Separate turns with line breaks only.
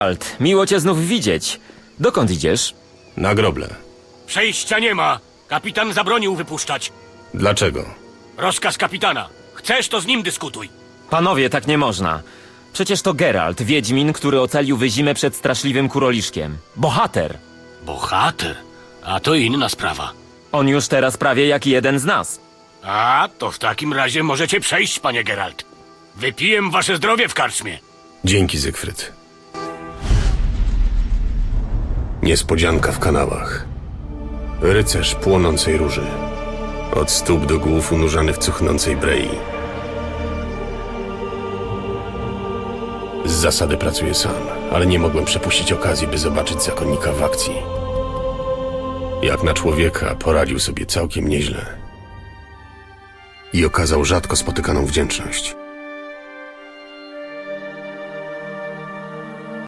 Alt, miło cię znów widzieć. Dokąd idziesz?
Na groble.
Przejścia nie ma. Kapitan zabronił wypuszczać.
Dlaczego?
Rozkaz kapitana. Chcesz, to z nim dyskutuj.
Panowie, tak nie można. Przecież to Geralt, wiedźmin, który ocalił Wyzimę przed straszliwym kuroliszkiem. Bohater.
Bohater? A to inna sprawa.
On już teraz prawie jak jeden z nas.
A, to w takim razie możecie przejść, panie Geralt. Wypiję wasze zdrowie w karczmie.
Dzięki, Zygfryd. Niespodzianka w kanałach. Rycerz płonącej róży. Od stóp do głów unurzany w cuchnącej brei. Z zasady pracuję sam, ale nie mogłem przepuścić okazji, by zobaczyć zakonnika w akcji. Jak na człowieka poradził sobie całkiem nieźle. I okazał rzadko spotykaną wdzięczność.